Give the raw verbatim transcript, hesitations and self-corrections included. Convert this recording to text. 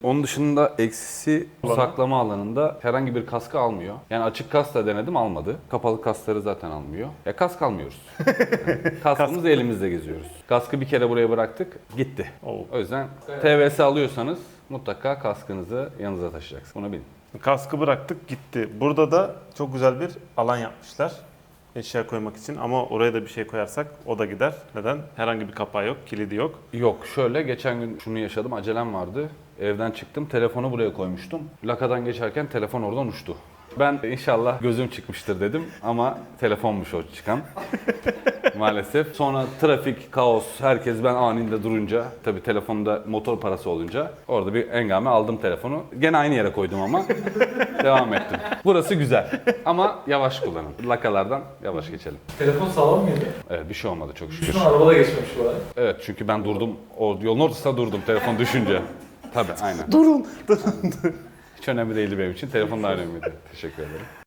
Onun dışında eksisi saklama alanında herhangi bir kaskı almıyor. Yani açık kask da denedim, almadı. Kapalı kaskları zaten almıyor. Ya kask almıyoruz. Yani kaskımızı elimizde geziyoruz. Kaskı bir kere buraya bıraktık, gitti. Oo. O yüzden T V S alıyorsanız mutlaka kaskınızı yanınıza taşıyacaksınız. Bunu bilin. Kaskı bıraktık gitti. Burada da çok güzel bir alan yapmışlar. Eşya koymak için ama oraya da bir şey koyarsak o da gider. Neden? Herhangi bir kapağı yok, kilidi yok. Yok, şöyle geçen gün şunu yaşadım, acelem vardı. Evden çıktım, telefonu buraya koymuştum. Lakadan geçerken telefon oradan uçtu. Ben inşallah gözüm çıkmıştır dedim ama telefonmuş o çıkan. Maalesef. Sonra trafik, kaos, herkes ben aninde durunca, tabii telefonda motor parası olunca orada bir engame aldım telefonu. Gene aynı yere koydum ama devam ettim. Burası güzel ama yavaş kullanın. Lakalardan yavaş geçelim. Telefon sağlam mıydı? Evet, bir şey olmadı çok şükür. Üstüne arabada geçmemiş bu arada. Evet, çünkü ben durdum, o yolun ortasında durdum telefon düşünce. Tabii, aynen. Durun! Hiç önemli değildi benim için, telefon da önemliydi. Teşekkür ederim.